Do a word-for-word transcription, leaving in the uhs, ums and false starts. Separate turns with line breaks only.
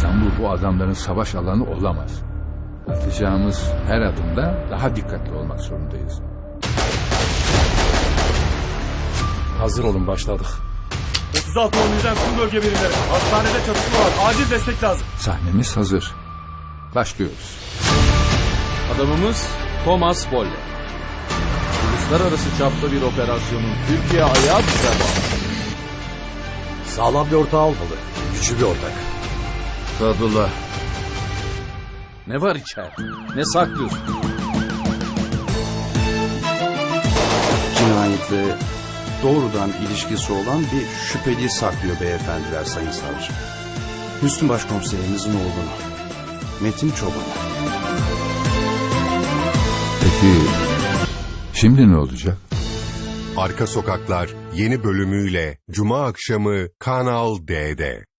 İstanbul bu adamların savaş alanı olamaz. Atacağımız her adımda daha dikkatli olmak zorundayız.
Hazır olun, başladık.
otuz altı olmayacak tüm bölge birimleri. Hastanede çatışma var. Acil destek lazım.
Sahnemiz hazır. Başlıyoruz.
Adamımız Thomas Bolle. Uluslararası çapta bir operasyonun Türkiye ayağı bize bağlı.
Sağlam bir ortağı olmalı. Güçlü bir ortak.
Sadullah.
Ne var içeride? Ne saklıyorsun?
Cinayetle doğrudan ilişkisi olan bir şüpheli saklıyor beyefendiler sayın savcı. Hüsnü Başkomiserimizin oğlunu. Metin Çoban.
Peki şimdi ne olacak?
Arka Sokaklar yeni bölümüyle Cuma akşamı Kanal D'de.